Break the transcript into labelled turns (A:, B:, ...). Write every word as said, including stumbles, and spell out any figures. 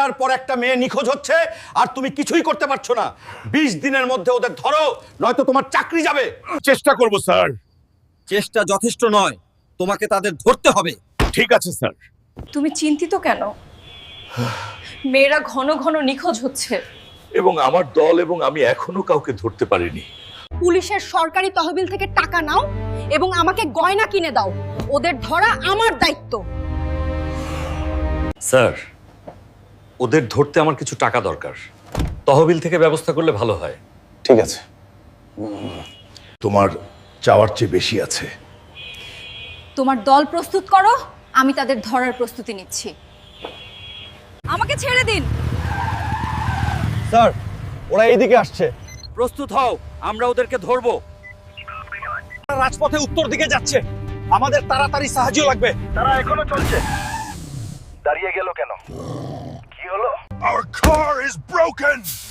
A: একটার পর একটা মেয়ে নিখোঁজ হচ্ছে আর তুমি কিছুই করতে পারছো না। বিশ দিনের মধ্যে ওদের ধরো, নয়তো তোমার চাকরি যাবে।
B: চেষ্টা করব স্যার।
C: চেষ্টা যথেষ্ট নয়, তোমাকে তাদের ধরতে হবে।
B: ঠিক আছে স্যার।
D: তুমি চিন্তিত কেন? মেয়েরা ঘন ঘন নিখোঁজ হচ্ছে।
B: এবং আমার দল এবং আমি এখনো কাউকে ধরতে পারিনি।
E: পুলিশের সরকারি তহবিল থেকে টাকা নাও এবং আমাকে গয়না কিনে দাও। ওদের ধরা আমার দায়িত্ব।
F: স্যার, ওদের ধরতে আমার কিছু টাকা দরকার। তহবিল থেকে ব্যবস্থা করলে ভালো হয়।
A: ঠিক আছে,
B: তোমার চাওয়ার চেয়ে বেশি আছে।
E: তোমার দল প্রস্তুত করো, আমি তাদের ধরার প্রস্তুতি নিচ্ছি। আমাকে ছেড়ে দিন।
A: স্যার ওরা এইদিকে আসছে।
C: প্রস্তুত হও, আমরা ওদেরকে ধরবো।
A: রাজপথে উত্তর দিকে যাচ্ছে, আমাদের তাড়াতাড়ি সাহায্য লাগবে।
G: তারা এখনো চলছে। দাঁড়িয়ে গেল কেন? কি হলো?
B: Our car is broken!